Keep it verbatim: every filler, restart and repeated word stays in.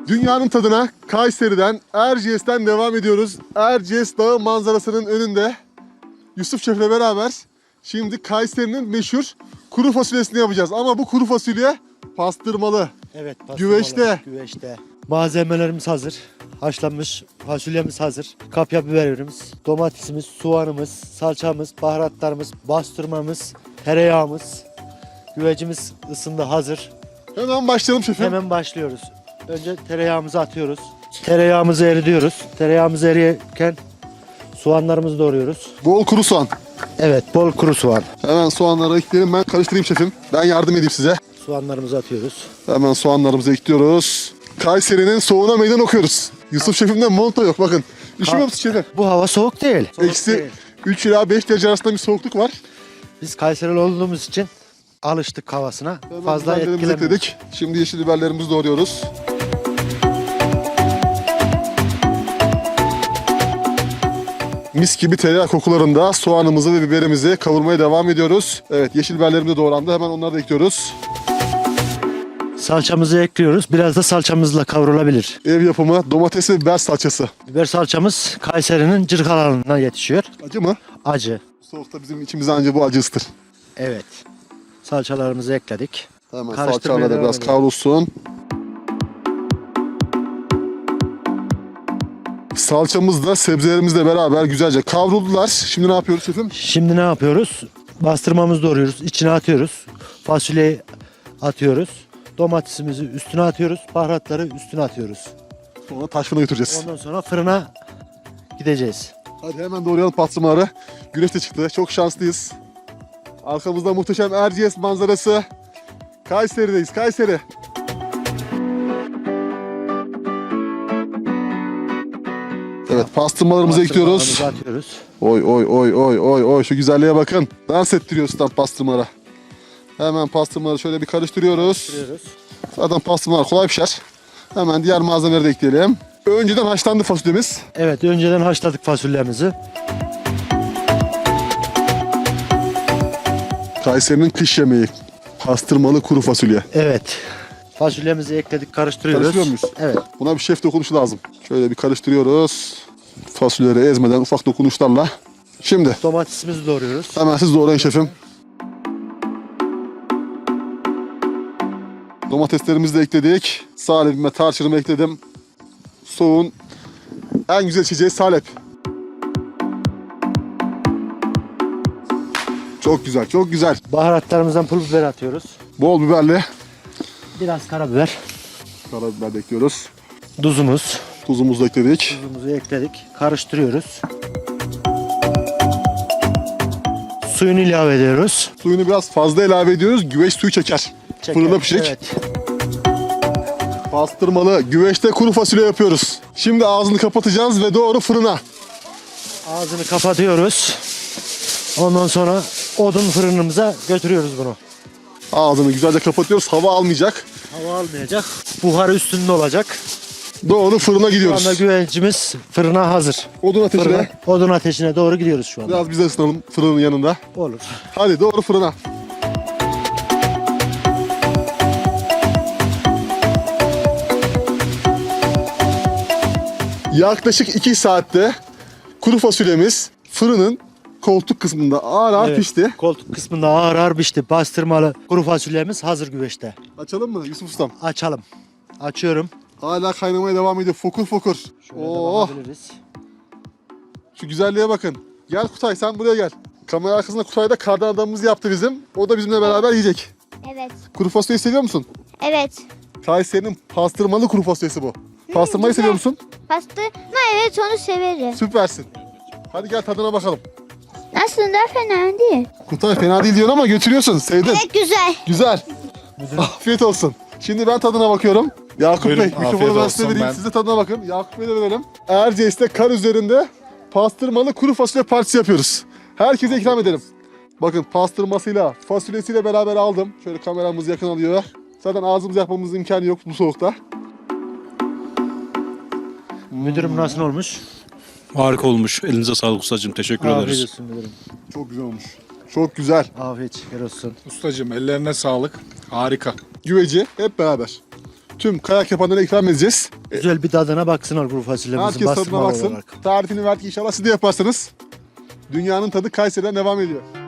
Dünyanın tadına Kayseri'den, Erciyes'ten devam ediyoruz. Erciyes Dağı manzarasının önünde Yusuf Şef'le beraber şimdi Kayseri'nin meşhur kuru fasulyesini yapacağız. Ama bu kuru fasulye pastırmalı. Evet, pastırmalı. Güveçte. Güveçte. Malzemelerimiz hazır. Haşlanmış fasulyemiz hazır. Kapya biberimiz, domatesimiz, soğanımız, salçamız, baharatlarımız, bastırmamız, tereyağımız. Güvecimiz ısındı, hazır. Hemen başlayalım şefim. Hemen başlıyoruz. Önce tereyağımızı atıyoruz. Tereyağımızı eridiyoruz. Tereyağımız eriyken soğanlarımızı doğruyoruz. Bol kuru soğan. Evet, bol kuru soğan. Hemen soğanları ekleyelim, ben karıştırayım şefim. Ben yardım edeyim size. Soğanlarımızı atıyoruz. Hemen soğanlarımızı ekliyoruz. Kayseri'nin soğuğuna meydan okuyoruz. Yusuf şefimde monta yok bakın. Üşümüyor musun şefim? Bu hava soğuk değil. Soğuk Eksi değil. üç ila beş derece arasında bir soğukluk var. Biz Kayserili olduğumuz için alıştık havasına. Hemen Fazla biberlerimizi etkilemiyor. ekledik. Şimdi yeşil biberlerimizi doğruyoruz. Mis gibi tereyağı kokularında soğanımızı ve biberimizi kavurmaya devam ediyoruz. Evet, yeşil biberlerimiz de doğrandı. Hemen onları da ekliyoruz. Salçamızı ekliyoruz. Biraz da salçamızla kavrulabilir. Ev yapımı domates ve biber salçası. Biber salçamız Kayseri'nin Cırkalan'dan yetişiyor. Acı mı? Acı. Soğukta bizim içimize anca bu acı ıstır. Evet. Salçalarımızı ekledik. Hemen Karıştırmaya salçalarla da devam biraz edelim. kavrulsun. Salçamız da sebzelerimizle beraber güzelce kavruldular. Şimdi ne yapıyoruz şefim? Şimdi ne yapıyoruz? Bastırmamızı doğruyoruz. İçine atıyoruz. Fasulyeyi atıyoruz. Domatesimizi üstüne atıyoruz. Baharatları üstüne atıyoruz. Sonra taş fırına götüreceğiz. Ondan sonra fırına gideceğiz. Hadi hemen doğrayalım pastırmaları. Güneş de çıktı. Çok şanslıyız. Arkamızda muhteşem Erciyes manzarası. Kayseri'deyiz. Kayseri. Evet, pastırmalarımızı ekliyoruz. Bastırmalarımızı atıyoruz. Oy oy oy oy oy oy, şu güzelliğe bakın. Dans ettiriyor stand pastırmalara. Hemen pastırmaları şöyle bir karıştırıyoruz. Atıyoruz. Zaten pastırmalar kolay pişer. Hemen diğer malzemeleri de ekleyelim. Önceden haşlandı fasulyemiz. Evet, önceden haşladık fasulyemizi. Kayseri'nin kış yemeği. Pastırmalı kuru fasulye. Evet. Fasulyemizi ekledik, karıştırıyoruz. Karıştırıyor muyuz? Evet. Buna bir şef dokunuşu lazım. Şöyle bir karıştırıyoruz. Fasulyeleri ezmeden ufak dokunuşlarla. Şimdi Domatesimizi doğruyoruz. hemen siz doğrayın şefim. Domateslerimizi de ekledik. Salepime, tarçınımı ekledim. Soğuğun en güzel içeceği salep. Çok güzel, çok güzel. Baharatlarımızdan pul biber atıyoruz. Bol biberli Biraz karabiber. karabiber de ekliyoruz. Tuzumuz. Tuzumuzu da ekledik. Tuzumuzu ekledik. Karıştırıyoruz. Suyunu ilave ediyoruz. Suyunu biraz fazla ilave ediyoruz. Güveç suyu çeker. Çeker. Fırında pişecek. Evet. Pastırmalı güveçte kuru fasulye yapıyoruz. Şimdi ağzını kapatacağız ve doğru fırına. Ağzını kapatıyoruz. Ondan sonra odun fırınımıza götürüyoruz bunu. Ağzını güzelce kapatıyoruz. Hava almayacak. Hava almayacak. Buharı üstünde olacak. Doğru fırına Şu anda gidiyoruz. güvecimiz fırına hazır. Odun ateşine. Fırına, odun ateşine doğru gidiyoruz şu anda. Biraz biz de ısınalım fırının yanında. Olur. Hadi doğru fırına. Yaklaşık iki saatte kuru fasulyemiz fırının koltuk kısmında ağır ağır Evet, pişti. koltuk kısmında ağır ağır pişti. Bastırmalı kuru fasulyemiz hazır güveçte. Açalım mı Yusuf Ustam? Açalım. Açıyorum. Hala kaynamaya devam ediyor. Fokur fokur. Şöyle de Oh, bakabiliriz. şu güzelliğe bakın. Gel Kutay, sen buraya gel. Kamera arkasında Kutay da kardan adamımız yaptı bizim. O da bizimle beraber yiyecek. Evet. Kuru fasulyeyi seviyor musun? Evet. Kayseri'nin pastırmalı kuru fasulyesi bu. Pastırmayı güzel. seviyor musun? Pastırma, evet, onu severim. Süpersin. Hadi gel tadına bakalım. Aslında fena değil. Kutay fena değil diyorsun ama götürüyorsun. Sevdin. Evet, güzel. Güzel. Afiyet olsun. Şimdi ben tadına bakıyorum. Yakup Buyurun, Bey, afiyet mikrofonu ben size olsun, vereyim. ben- Siz de tadına bakın. Yakup Bey'e de verelim. Erciyes'te kar üzerinde pastırmalı kuru fasulye partisi yapıyoruz. Herkese ikram edelim. Bakın pastırmasıyla, fasulyesiyle beraber aldım. Şöyle kameramız yakın alıyor. Zaten ağzımızı yapmamızın imkanı yok bu soğukta. Müdürüm nasıl olmuş? Harika olmuş. Elinize sağlık ustacığım. Teşekkür Afiyet ederiz. olsun müdürüm. Çok güzel olmuş. Çok güzel. Afiyet şeker olsun. Ustacığım ellerine sağlık. Harika. Güveci hep beraber. tüm kayak yapanlara ikram edeceğiz. Güzel bir tadına baksınlar kuru fasulyemizin Herkes tadına bastırmalı baksın. olarak. Tarifini verdik, inşallah siz de yaparsanız. Dünyanın tadı Kayseri'den devam ediyor.